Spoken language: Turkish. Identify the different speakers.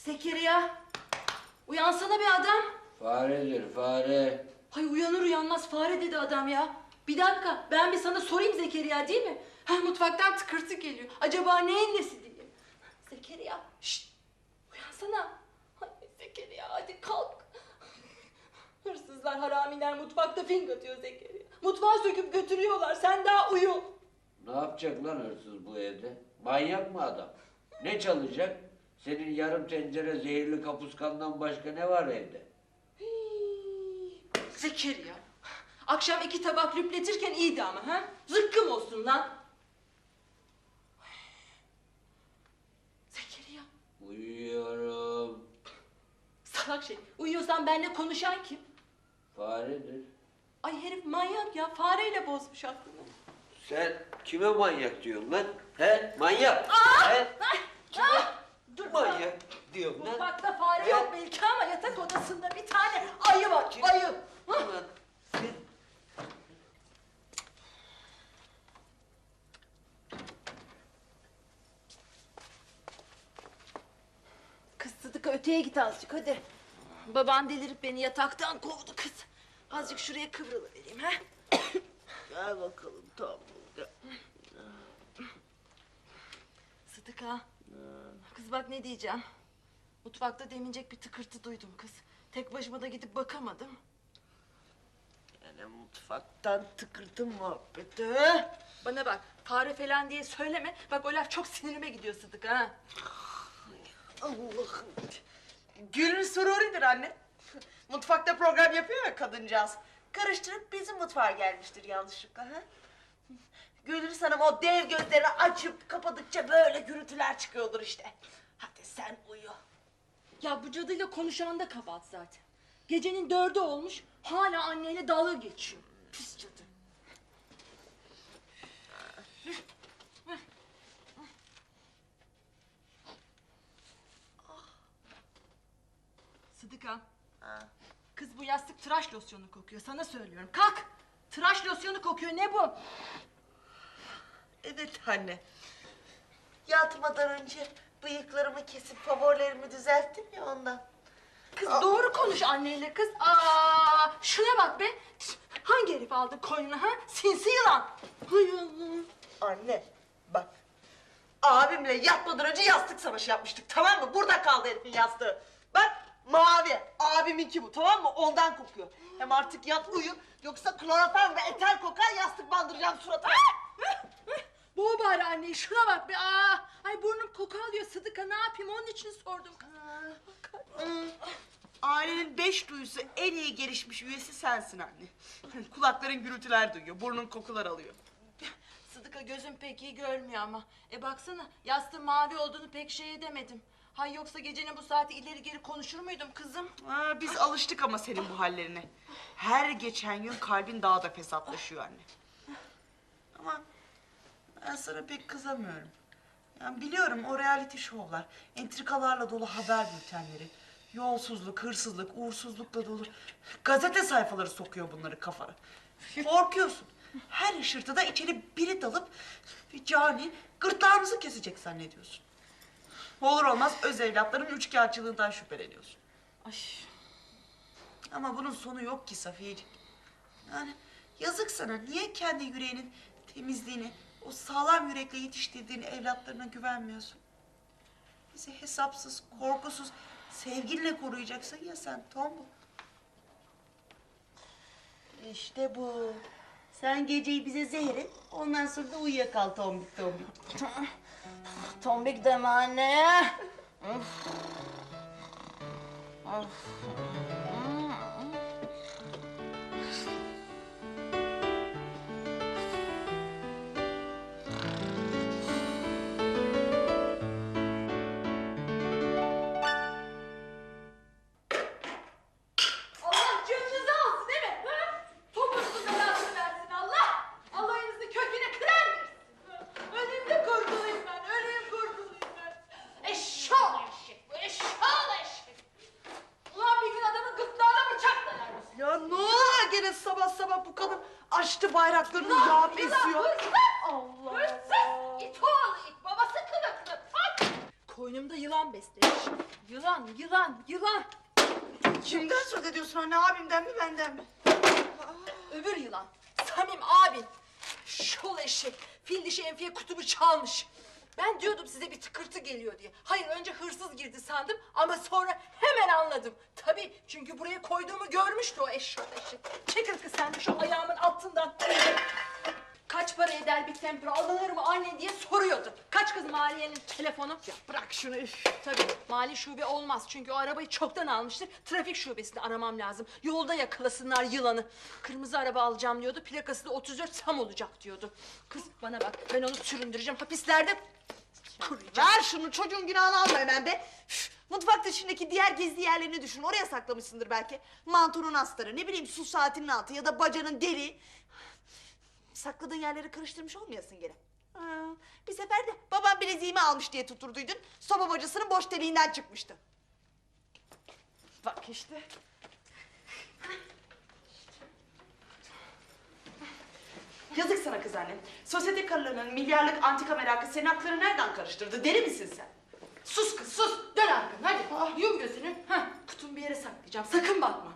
Speaker 1: Zekeriya, uyansana bir adam.
Speaker 2: Faredir fare.
Speaker 1: Hay uyanır uyanmaz fare dedi adam ya. Bir dakika, ben bir sana sorayım Zekeriya, değil mi? Ha, mutfaktan tıkırtı geliyor. Acaba neyin nesi diye. Zekeriya, şşt, uyansana. Hay Zekeriya, hadi kalk. Hırsızlar, haramiler mutfakta fink atıyor Zekeriya. Mutfağı söküp götürüyorlar, sen daha uyu.
Speaker 2: Ne yapacak lan hırsız bu evde? Manyak mı adam? Ne çalacak? Senin yarım tencere zehirli kapuskandan başka ne var evde?
Speaker 1: Hii, Zekeriya, akşam 2 tabak lüpletirken iyiydi ama ha? Zıkkım olsun lan. Zekeriya.
Speaker 2: Uyuyorum.
Speaker 1: Salak şey, uyuyorsan benimle konuşan kim?
Speaker 2: Faredir.
Speaker 1: Ay herif manyak ya, fareyle bozmuş aklını.
Speaker 2: Sen kime manyak diyorsun lan? He? Manyak. He? Kime
Speaker 1: Dur
Speaker 2: manyak diyorsun lan?
Speaker 1: mutfakta fare
Speaker 2: He?
Speaker 1: yok belki ama yatak odasında bir tane ayı var, ayı. Hah.
Speaker 2: Ulan sen-
Speaker 1: Kız Sıdıka, öteye git azıcık hadi. Baban delirip beni yataktan kovdu kız. Azıcık şuraya kıvrılıvereyim ha.
Speaker 2: Gel bakalım tamam. Gel.
Speaker 1: Sıdıka. Kız bak ne diyeceğim. Mutfakta demincek bir tıkırtı duydum kız. Tek başıma da gidip bakamadım.
Speaker 3: Yani mutfaktan tıkırtı muhabbeti.
Speaker 1: Bana bak, fare falan diye söyleme. Bak o laf çok sinirime gidiyor Sıdıka ha.
Speaker 3: Allah'ım. Gülün sururidir anne. Mutfakta program yapıyor ya kadıncağız. Karıştırıp bizim mutfağa gelmiştir yanlışlıkla. Ha? Gülür Hanım o dev gözlerini açıp kapadıkça böyle gürültüler çıkıyordur işte. Hadi sen uyu.
Speaker 1: Ya bu cadıyla konuşan da kabahat zaten. Gecenin 4'ü olmuş, hala anneyle dalga geçiyor. Pis cadı. Sıdıka.
Speaker 3: Ha.
Speaker 1: Kız bu yastık tıraş losyonu kokuyor, sana söylüyorum. Kalk! Tıraş losyonu kokuyor, ne bu?
Speaker 3: Evet anne. Yatmadan önce bıyıklarımı kesip favorilerimi düzelttim ya ondan.
Speaker 1: Kız doğru konuş anneyle kız. Aa, şuna bak be. Hangi herif aldı koynuna ha? Sinsi yılan. Hay Allah.
Speaker 3: Anne bak. Abimle yatmadan önce yastık savaşı yapmıştık, tamam mı? Burada kaldı herifin yastığı. Bak mavi. Abiminki bu, tamam mı? Ondan kokuyor. Hem artık yat uyu. Yoksa klorofen ve eter kokar, yastık bandıracağım suratına.
Speaker 1: Boğ bari anneyi, şuna bak be. Aa, ay burnum koku alıyor Sıdıka, ne yapayım, onun için sordum.
Speaker 3: Ailenin 5 duyusu en iyi gelişmiş üyesi sensin anne. Kulakların gürültüler duyuyor, burnun kokular alıyor.
Speaker 1: Sıdıka gözüm pek iyi görmüyor ama. Baksana, yastığın mavi olduğunu pek şey edemedim. Hay yoksa gecenin bu saati ileri geri konuşur muydum kızım?
Speaker 3: Biz alıştık ama senin bu hallerine. Her geçen gün kalbin daha da fesatlaşıyor anne. Ama ben sana pek kızamıyorum. Yani biliyorum o reality şovlar, entrikalarla dolu haber bültenleri, yolsuzluk, hırsızlık, uğursuzlukla dolu gazete sayfaları sokuyor bunları kafana. Korkuyorsun. Her ışırtıda içeri biri dalıp bir cani gırtlağımızı kesecek zannediyorsun. Olur olmaz öz evlatların üçkağıtçılığından şüpheleniyorsun.
Speaker 1: Ay.
Speaker 3: Ama bunun sonu yok ki Safiyeciğim. Yani yazık sana. Niye kendi yüreğinin temizliğini, o sağlam yürekle yetiştirdiğin evlatlarına güvenmiyorsun? Bizi hesapsız, korkusuz, sevginle koruyacaksın ya sen tombul. İşte bu. Sen geceyi bize zehir et, ondan sonra da uyuyakal tombik tombik.
Speaker 1: Tombik deme anne. Allah canınızı alsın değil mi? Ha? Topunuzu belasını versin Allah. Allah'ınızı köküne kırar versin. Öleyim de kurtulayım ben. Öleyim kurtulayım ben. Eşşoğlu eşek bu. Eşşoğlu eşek. Ulan bir gün adamın gırtlağına bıçak dalar mısın?
Speaker 3: Ya ne oluyor gene sabah sabah bu kadın açtı bayraklarını yağ besiyor.
Speaker 1: Hırsız!
Speaker 3: Allah
Speaker 1: Hırsız! İt oğlu it. Babası kılıklı. At! Koynumda yılan beslemiş. Yılan, yılan, yılan.
Speaker 3: Kimden söz ediyorsun anne? Abimden mi benden mi?
Speaker 1: Öbür yılan. Samim abin. Şol eşek. Fil dişi Enfiye kutubu çalmış. Ben diyordum size bir tıkırtı geliyor diye. Hayır, önce hırsız girdi sandım ama sonra hemen anladım. Tabii, çünkü buraya koyduğumu görmüştü o eşşoğlu eşek. Çekil kız sen de şu ayağımın altından. Kaç para eder bir tempra, alınır mı anne diye soruyordu. Kaç kız Maliye'nin telefonu? Ya bırak şunu üf. Tabii mali şube olmaz çünkü o arabayı çoktan almıştır. Trafik şubesini aramam lazım. Yolda yakalasınlar yılanı. Kırmızı araba alacağım diyordu. Plakası da 34 tam olacak diyordu. Kız bana bak, ben onu süründüreceğim. Hapislerde kuruyacağım.
Speaker 3: Ver şunu, çocuğun günahını alma hemen be. Üf, mutfak dışındaki diğer gizli yerlerini düşün. Oraya saklamışsındır belki. Mantonun astarı, ne bileyim su saatinin altı ya da bacanın deliği. Sakladığın yerleri karıştırmış olmayasın gene. Bir sefer de babam bileziğimi almış diye tuturduydun. Soba bacasının boş deliğinden çıkmıştı. Bak işte. Yazık sana kız annem. Sosyete karılarının milyarlık antika merakı senin aklını nereden karıştırdı? Deli misin sen?
Speaker 1: Sus kız sus. Dön arkanı hadi. Yum gözünü. Heh, kutumu bir yere saklayacağım. Sakın bakma.